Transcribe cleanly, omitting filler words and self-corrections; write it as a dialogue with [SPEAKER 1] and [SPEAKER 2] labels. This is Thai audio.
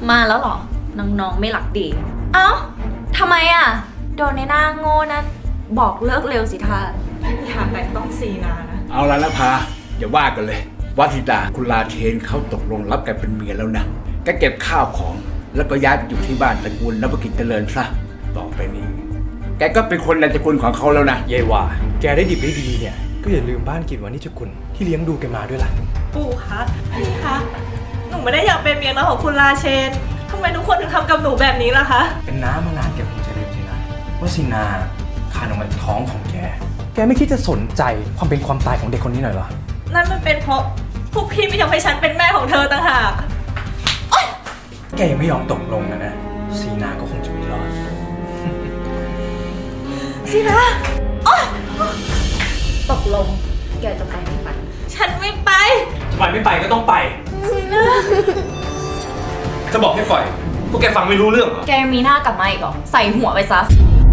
[SPEAKER 1] มาแล้วเหรอน้องๆไม่หลักดีเอ้าทำไมอ่ะโดนในหน้าโง่นั้นบอกเลิกเร็วสิท่า
[SPEAKER 2] อย่าแต่ต้องซีนานะ
[SPEAKER 3] เอาละนะพาอย่าว่ากันเลยวัธิดาคุณลาเชนเขาตกลงรับแกเป็นเมียแล้วนะแกเก็บข้าวของแล้วก็ย้ายไปอยู่ที่บ้านตระกูลนพกิจเจริญซะต่อไปนี้แกก็เป็นคนในตระกูลของเขาแล้วนะ
[SPEAKER 4] เย่ว่าแกได้ดิบได้ดีเนี่ยก็อย่าลืมบ้านกิจวานิชกุลที่เลี้ยงดูแกมาด้วยล่ะ
[SPEAKER 2] ปู่คะพี่คะหนูไม่ได้อยากเป็นเมียน้อยของคุณราเชนทำไมทุกคนถึงทำกับหนูแบบนี้ล่ะคะ
[SPEAKER 4] เป็นน้ามานานแกคงจะลืมสินะว่าสินาคานออกมาจากท้องของแกไม่คิดจะสนใจความเป็นความตายของเด็กคนนี้หน่อยเหรอ
[SPEAKER 2] นั่นมันเป็นเพราะพวกพี่ไม่ยอมให้ฉันเป็นแม่ของเธอต่างหาก
[SPEAKER 4] แกยังไม่ยอมตกลงนะซีนาก็คงจะไม่รอด
[SPEAKER 2] ซีนา
[SPEAKER 1] ตกลงแกจะไปไม่ไป
[SPEAKER 2] ฉันไม่ไป
[SPEAKER 4] ทำไมไม่ไปก็ต้องไป
[SPEAKER 2] ซีนา
[SPEAKER 4] จะบอกให้ปล่อยพวกแกฟังไม่รู้เรื่องเหรอ
[SPEAKER 1] แกยังมีหน้ากลับมาอีกเหรอใส่หัวไปซะ